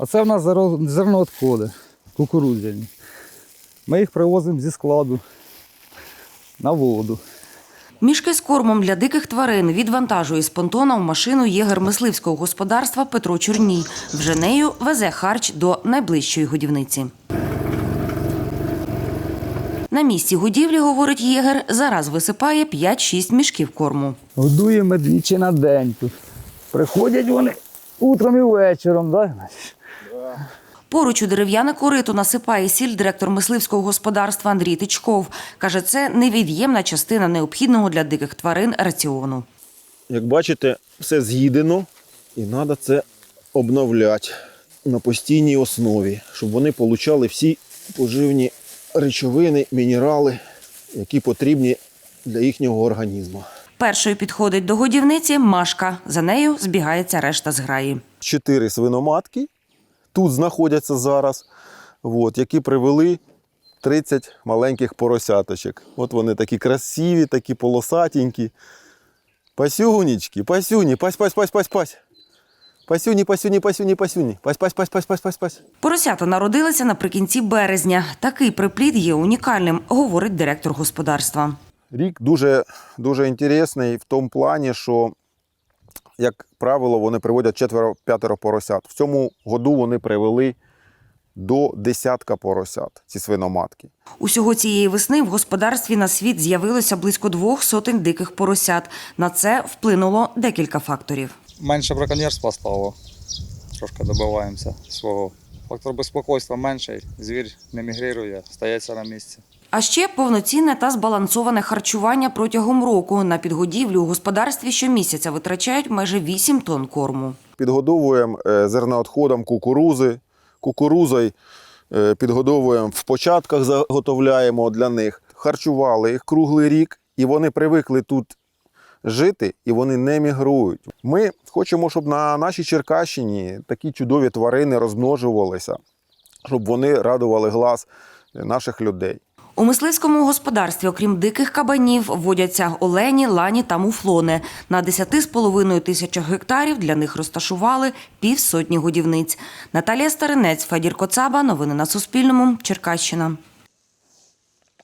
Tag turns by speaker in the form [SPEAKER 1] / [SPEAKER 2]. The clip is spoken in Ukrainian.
[SPEAKER 1] А це в нас зерновідходи кукурудзяні. Ми їх привозимо зі складу на воду.
[SPEAKER 2] Мішки з кормом для диких тварин відвантажує з понтона в машину єгер мисливського господарства Петро Чорній. Вже нею везе харч до найближчої годівниці. На місці годівлі, говорить єгер, зараз висипає 5-6 мішків корму.
[SPEAKER 1] Годуємо двічі на день тут. Приходять вони утром і вечором, так?
[SPEAKER 2] Поруч у дерев'яне корито насипає сіль директор мисливського господарства Андрій Тичков. Каже, це невід'ємна частина необхідного для диких тварин раціону.
[SPEAKER 3] Як бачите, все з'їдено і треба це обновляти на постійній основі, щоб вони отримали всі поживні речовини, мінерали, які потрібні для їхнього організму.
[SPEAKER 2] Першою підходить до годівниці Машка. За нею збігається решта зграї.
[SPEAKER 3] 4 свиноматки тут знаходяться зараз, які привели 30 маленьких поросяточок. От вони такі красиві, такі полосатенькі. Пасюнечки, пасюні, пась. Пасюні. Пась.
[SPEAKER 2] Поросята народилися наприкінці березня. Такий приплід є унікальним, говорить директор господарства.
[SPEAKER 3] Рік дуже інтересний в тому плані, що, як правило, вони приводять 4-5 поросят. В цьому году вони привели до 10 поросят, ці свиноматки.
[SPEAKER 2] Усього цієї весни в господарстві на світ з'явилося близько 200 диких поросят. На це вплинуло декілька факторів.
[SPEAKER 4] Менше браконьєрства стало, трошки добиваємося свого. Фактор безпокійства менший, звір не мігрирує, стається на місці.
[SPEAKER 2] А ще повноцінне та збалансоване харчування протягом року. На підгодівлю у господарстві щомісяця витрачають майже 8 тонн корму.
[SPEAKER 3] Підгодовуємо зерновідходом кукурузою підгодовуємо в початках, заготовляємо для них. Харчували їх круглий рік, і вони привикли тут жити, і вони не мігрують. Ми хочемо, щоб на нашій Черкащині такі чудові тварини розмножувалися, щоб вони радували глаз наших людей.
[SPEAKER 2] У мисливському господарстві, окрім диких кабанів, водяться олені, лані та муфлони. На 10,5 тисячах гектарів для них розташували 50 годівниць. Наталія Старинець, Федір Коцаба. Новини на Суспільному. Черкащина.